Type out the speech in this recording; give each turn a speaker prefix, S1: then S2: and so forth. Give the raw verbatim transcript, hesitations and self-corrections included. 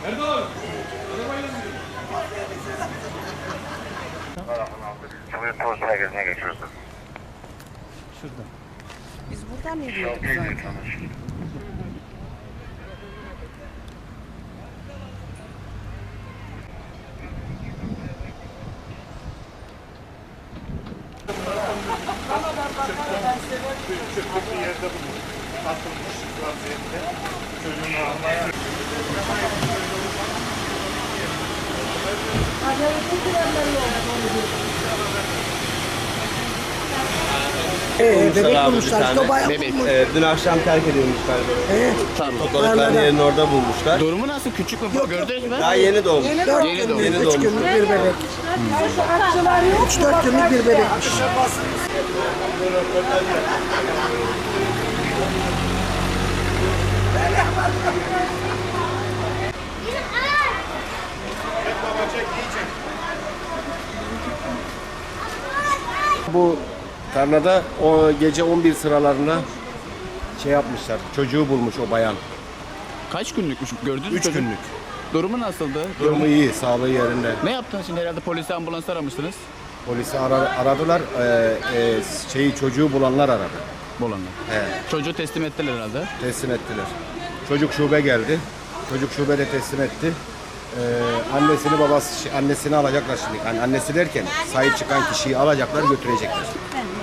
S1: Cumhuriyet Polis Merkezi'ne geçiyoruz.
S2: Şurada.
S3: Biz buradan yürüyorduk zaten.
S4: Çöplük bir yerde bulunmuş. Atılmış vaziyette. Çocuğunu almaya.
S2: Ee, bebek
S5: bulmuşlar.
S2: İşte o bayağı
S5: Bebek.
S2: bulmuş.
S5: Ee, dün akşam terk edilmişler.
S2: Ee,
S5: Topladıkları yerin orada bulmuşlar.
S6: Durumu nasıl? Küçük mü? Gördünüz mü?
S5: Daha yeni doğmuş.
S2: dört
S6: Yeni
S2: günlük,
S6: doğmuş.
S5: Yeni
S2: üç
S5: doğmuş.
S2: günlük bir bebek. Üç dört günlük bir bebekmiş.
S7: Bu tarlada o gece on bir sıralarında şey yapmışlar. Çocuğu bulmuş o bayan.
S6: Kaç günlükmüş? Gördünüz mü?
S7: Üç
S6: çocuğu?
S7: günlük.
S6: Durumu nasıldı?
S7: Durumu iyi, sağlığı yerinde.
S6: Ne yaptınız şimdi? Herhalde polisi, ambulans aramışsınız.
S7: Polisi ara- aradılar. Ee, e, şeyi çocuğu bulanlar aradı.
S6: Bolanlar.
S7: He,
S6: Çocuğu teslim ettiler herhalde.
S7: teslim ettiler. Çocuk şube geldi. Çocuk şubede teslim etti. Ee, annesini babası annesini alacaklar şimdi. Yani annesi derken sahip çıkan kişiyi alacaklar, götürecekler.